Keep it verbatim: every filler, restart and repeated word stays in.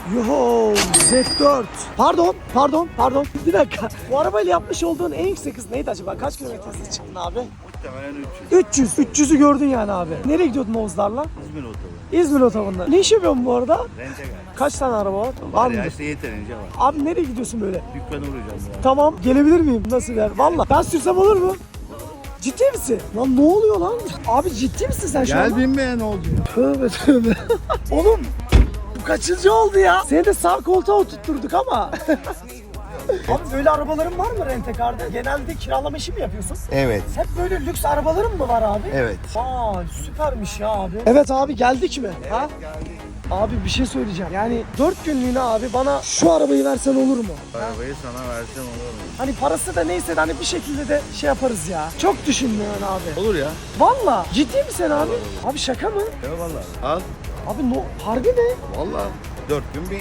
Yo Z dört. Pardon, pardon, pardon. Bir dakika. Bu arabayla yapmış olduğun en yüksek hız neydi acaba? Kaç kilometre hızla çıktın abi? Muhtemelen üç yüz. üç yüz. üç yüzü gördün yani abi. Nereye gidiyordun Oğuzlarla? İzmir otobu. İzmir otobanında. Ne iş yapıyorsun bu arada? Rente gel. Kaç tane araba var? Var Var ya mı? işte yeterince var. Abi nereye gidiyorsun böyle? Dükkanı vuracağım ya. Tamam, gelebilir miyim? Nasıl yer? Valla ben sürsem olur mu? Ciddi misin? Lan ne oluyor lan? Abi ciddi misin sen şu an? binmeye ne oldu? Tövbe tövbe. Oğlum bu kaçıncı oldu ya? Seni de sağ koltuğa oturtturduk ama. Abi böyle arabaların var mı Rent-A-Car'da? Genelde kiralama işi mi yapıyorsun? Evet. Hep böyle lüks arabaların mı var abi? Evet. Aa süpermiş ya abi. Evet abi geldik mi? Ha? Geldik. Abi bir şey söyleyeceğim. Yani dört günlüğüne abi bana şu arabayı versen olur mu? Arabayı sana versem olur mu? Hani parası da neyse de hani bir şekilde de şey yaparız ya. Çok düşündün abi. Olur ya. Valla ciddi misin abi? Abi şaka mı? Ya vallahi. Al. Abi no, harbi mi? Vallahi. Dört gün bir